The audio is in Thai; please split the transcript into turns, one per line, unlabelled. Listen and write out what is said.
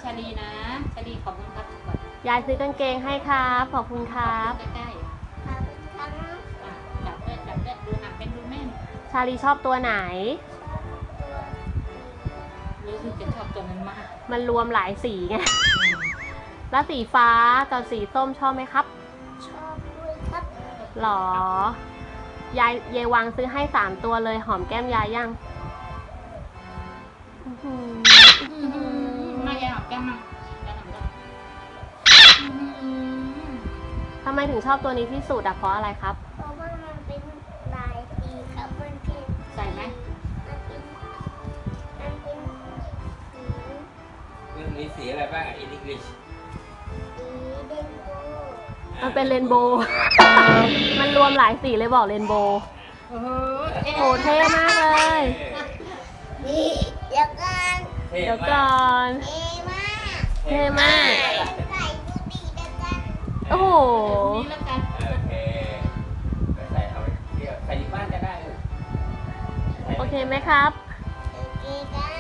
าลีนะชาลีขอบคุณครับก่อน
ยายซื้อกางเกงให้ครับขอบคุณครับ
ใกล้ๆจับด้วยดูหักเป็นดูแม่น
ชาลีชอบตัวไหน
รู้สึกจะชอบตัวนั้นมาก
มันรวมหลายสีไง แล้วสีฟ้ากับสีส้มชอบไหมครับ
ชอบด้วยครับ
หรอยายวางซื้อให้3ตัวเลยหอมแก้มยายยังอื้อหือ
มายายหอมแก้มมา
ทำไมถึงชอบตัวนี้ที่สุดอะเพราะอะไรครับ
เพราะว่ามันเป็นลายสีครับมันเป็น
ใส่ไหม
มันเป็นสี
มันมีสีอะไรบ้างอินอังกฤษ
สีเดนโบว์
มันเป็นเรนโบว์ มันรวมหลายสีเลยบอกเรนโบว์
โอ้โห
โอ้เท่มากเลย
นี่เดี๋ยวกัน
เท่
เดี๋ยว
มา
ก่อก น
เอมาก
เท่มาก
ใส่บูตีเดียวกัน
โอ้โห
นี่แล้วกัน
โอเคไปใส่เอาไว้เที่ยวใส่ที่บ้านจะได้
โอเคไหมครับ
โอเคกัน